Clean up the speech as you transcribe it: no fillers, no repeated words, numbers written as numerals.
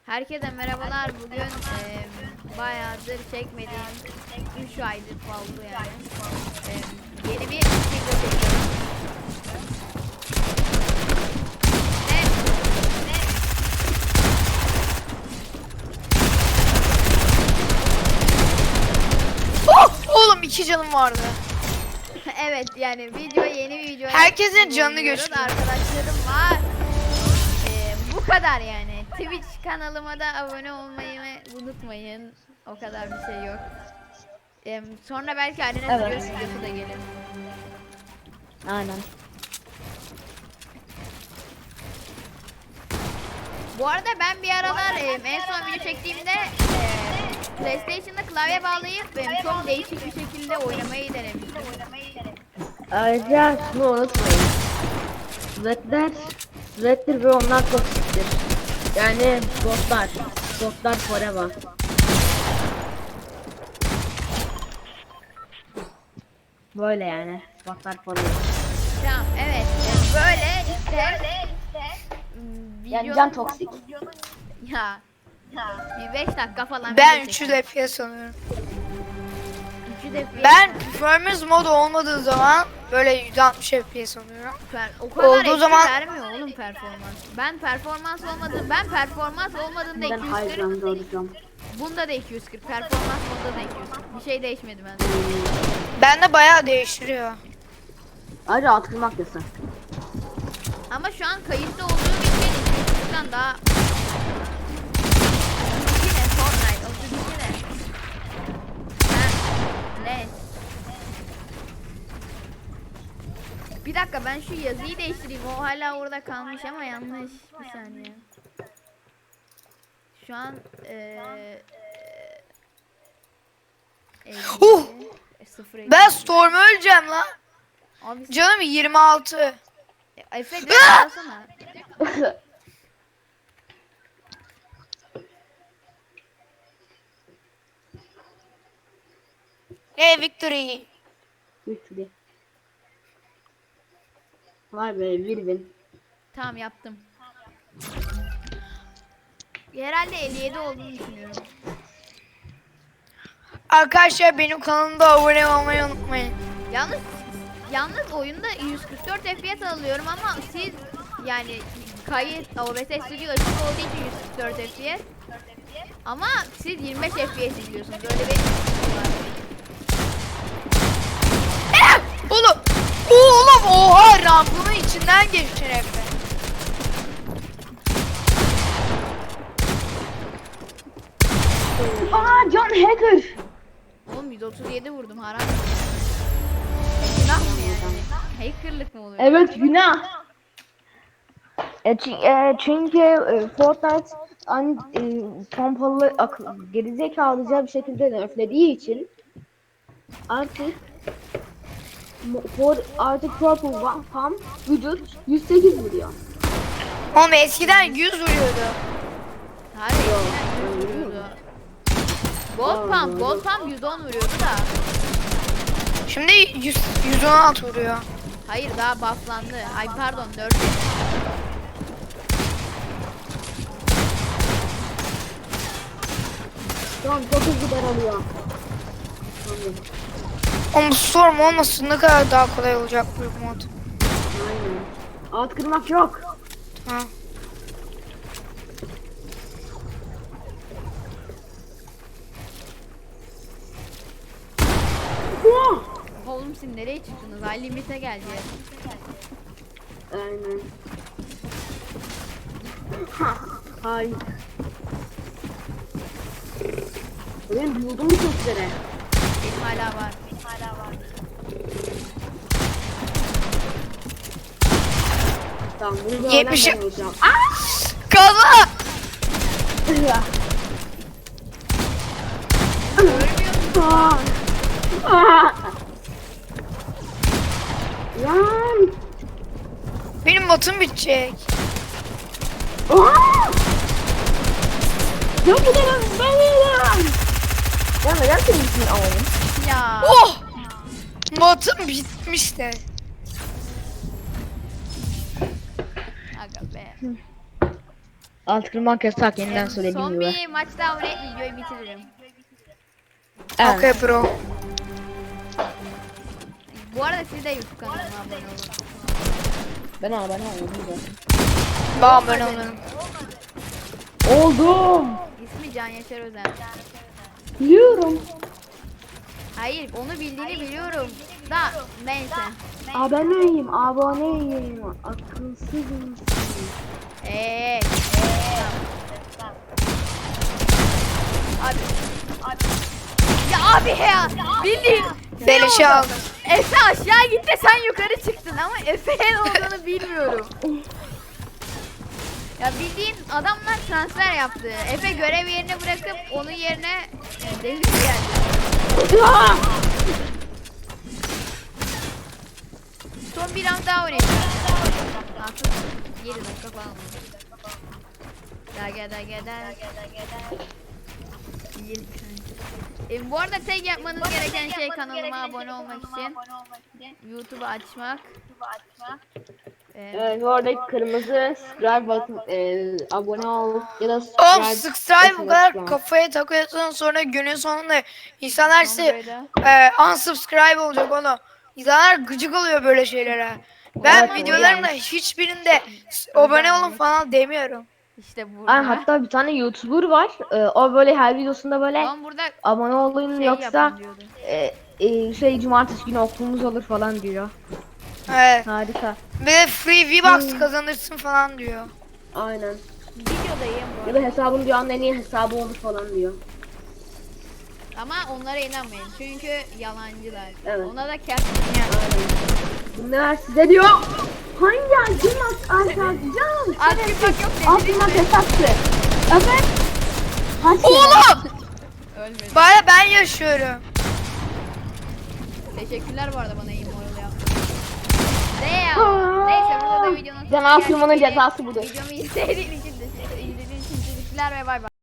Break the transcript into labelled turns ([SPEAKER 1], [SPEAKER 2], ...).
[SPEAKER 1] Herkese merhabalar. Bugün bayağıdır çekmediğim 3 aydır oldu yani. Yeni bir video çekiyorum.
[SPEAKER 2] Oh! Oğlum 2 canım vardı.
[SPEAKER 1] Evet yani yeni bir video.
[SPEAKER 2] Herkesin canını gösteriyor.
[SPEAKER 1] Arkadaşlarım var. Bu kadar yani. Twitch kanalıma da abone olmayı unutmayın. O kadar bir şey yok. Sonra belki Arena Studios videosu da gelir.
[SPEAKER 3] Aynen.
[SPEAKER 1] Bu arada ben bir aralar en son video çektiğimde PlayStation'da klavye bağlayıp çok değişik bir şekilde oynamayı denemiştim.
[SPEAKER 3] Ayrıca şunu unutmayın. Zedler ve onlar toksiktir. Yani botlar forever. Böyle yani. Botlar forever.
[SPEAKER 1] Tamam evet böyle işte
[SPEAKER 3] Yani can toksik.
[SPEAKER 1] ya bir 5 dakika falan
[SPEAKER 2] Ben
[SPEAKER 1] video
[SPEAKER 2] 300
[SPEAKER 1] çektim.
[SPEAKER 2] FPS sanıyorum.
[SPEAKER 1] 300 FPS.
[SPEAKER 2] Ben performance modu olmadığı zaman böyle 160 FPS sanıyorum.
[SPEAKER 1] O kadar
[SPEAKER 2] olduğu
[SPEAKER 1] etki
[SPEAKER 2] zaman-
[SPEAKER 1] vermiyor oğlum performans. Ben performans olmadığında
[SPEAKER 3] Ben hayır
[SPEAKER 1] 240.
[SPEAKER 3] olacağım.
[SPEAKER 1] Bunda da 240. Performans modda da 240. Bir şey değişmedi bende.
[SPEAKER 2] Bende bayağı değiştiriyor.
[SPEAKER 3] Ayrıca atılmak yasak.
[SPEAKER 1] Ama şu an kayıtta olduğum için 240'tan daha... Yine Fortnite, 32 ne? Ne? Bir dakika ben şu yazıyı değiştireyim. O hala orada kalmış ama yanlış. Bir saniye. Şu an
[SPEAKER 2] Huh!
[SPEAKER 1] 0
[SPEAKER 2] Ben Storm'u öleceğim lan.
[SPEAKER 1] Abi
[SPEAKER 2] Canım 26.
[SPEAKER 1] Efe direkt alsana.
[SPEAKER 2] Hey victory.
[SPEAKER 3] Güçlü. Vay be bir win.
[SPEAKER 1] Tamam yaptım. Herhalde 57 olduğunu düşünüyorum.
[SPEAKER 2] Arkadaşlar benim kanalımda abone olmayı unutmayın.
[SPEAKER 1] Yalnız oyunda 144 FPS alıyorum ama siz yani kayıt OBS Studio açık olduğu için 144 FPS. Ama siz 25 FPS izliyorsunuz. Öyle bir
[SPEAKER 2] Oğlum. Oğlum oha rampının içinden geçtin Efe.
[SPEAKER 3] Aa John Hacker.
[SPEAKER 1] Oğlum 137 vurdum haram. Günah mı yani? Hackerlık mı oluyor?
[SPEAKER 3] Evet günah. Çünkü Fortnite pompalı gerizekalıca bir şekilde nerflediği için artık artık Purple Pump vücut 108 vuruyor.
[SPEAKER 2] Oğlum eskiden 100 vuruyordu.
[SPEAKER 1] Hayır, eskiden 100 vuruyordu. Gold Pump 110 vuruyordu da.
[SPEAKER 2] Şimdi 116 vuruyor.
[SPEAKER 1] Hayır daha bufflandı. Ay pardon 4.
[SPEAKER 3] Tamam çok hızlı daralıyor.
[SPEAKER 2] Oğlum Storm olmasın ne kadar daha kolay olacak bu mod.
[SPEAKER 3] Aynen. Alt kırmak yok.
[SPEAKER 2] Ha.
[SPEAKER 1] Oğlum siz nereye çıktınız? Ay limite geldi.
[SPEAKER 3] Aynen. Hayır. Ben buldum bu sesleri.
[SPEAKER 1] Benim hala var.
[SPEAKER 3] Tamam bunu da
[SPEAKER 2] 70'i
[SPEAKER 3] ben olacağım.
[SPEAKER 2] Kaza!
[SPEAKER 3] Aa! Aa! Lan!
[SPEAKER 2] Benim matım bitecek.
[SPEAKER 3] Aa! Ya bu da ben. Ya neden senin için alalım?
[SPEAKER 1] Ya.
[SPEAKER 2] Oh! Matım bitmiş de.
[SPEAKER 1] Aga be.
[SPEAKER 3] Alt kırmak yasak yeniden söylediğim
[SPEAKER 1] Son
[SPEAKER 3] gibi.
[SPEAKER 1] bir maç daha oynayıp videoyu bitiririm.
[SPEAKER 3] Evet.
[SPEAKER 2] Okay bro.
[SPEAKER 1] Bu arada siz de YouTube kanalıma abone olun.
[SPEAKER 3] Ben oldum zaten.
[SPEAKER 2] Bam ben olurum.
[SPEAKER 3] Oldum.
[SPEAKER 1] İsmi Can Yaşar Özen.
[SPEAKER 3] Biliyorum.
[SPEAKER 1] Hayır onu bildiğini biliyorum. Da neyse.
[SPEAKER 3] Aboneyim. Akılsızım.
[SPEAKER 1] Eee. Abi. Ya abi ya. Bildiğin.
[SPEAKER 2] Beleşe aldım.
[SPEAKER 1] Efe aşağı gitti sen yukarı çıktın ama Efe'nin olduğunu bilmiyorum. Ya bildiğin adamlar transfer yaptı. Efe görev yerini bırakıp onun yerine devir geldi. Son bir round daha oynayacağız. Artık 7 dakika falan. Daha. Bu arada tek yapmanız gereken şey kanalıma abone olmak için YouTube'u açmak.
[SPEAKER 3] Evet, oradaki kırmızı subscribe bakın, abone ol ya da
[SPEAKER 2] Oğlum
[SPEAKER 3] subscribe.
[SPEAKER 2] subscribe bu kadar kafaya takıyorsun sonra günün sonunda insanlar size unsubscribe olacak oğlum. İnsanlar gıcık oluyor böyle şeylere. Ben
[SPEAKER 3] Evet,
[SPEAKER 2] videolarımda hiçbirinde abone olun falan demiyorum.
[SPEAKER 1] İşte burada.
[SPEAKER 3] Ay, hatta bir tane YouTuber var. O böyle her videosunda böyle
[SPEAKER 1] Lan burada
[SPEAKER 3] abone olun
[SPEAKER 1] şey
[SPEAKER 3] yoksa
[SPEAKER 1] yapın diyordu.
[SPEAKER 3] cumartesi günü okulumuz olur falan diyor.
[SPEAKER 2] Evet.
[SPEAKER 3] Harika.
[SPEAKER 2] Bir de free V-Bucks kazanırsın falan diyor.
[SPEAKER 3] Aynen.
[SPEAKER 1] Videodayım bu
[SPEAKER 3] Ya
[SPEAKER 1] arada.
[SPEAKER 3] da hesabın dünyanın en iyi hesabı olur falan diyor.
[SPEAKER 1] Ama onlara inanmayın çünkü yalancılar.
[SPEAKER 3] Evet.
[SPEAKER 1] Ona da kes.
[SPEAKER 3] Aynen. Bunlar size diyor. Hangi acımak açacağım?
[SPEAKER 1] Artık bak yok
[SPEAKER 3] Altından hesaptı. Evet.
[SPEAKER 2] Oğlum!
[SPEAKER 1] Ölmedi.
[SPEAKER 2] Baya ben yaşıyorum.
[SPEAKER 1] Teşekkürler bu arada bana iyi moral yaptın. Neyse burada da videonun
[SPEAKER 3] Can Aslıman'ın cezası budur.
[SPEAKER 1] Videomu izlediğiniz için teşekkürler ve bay bay.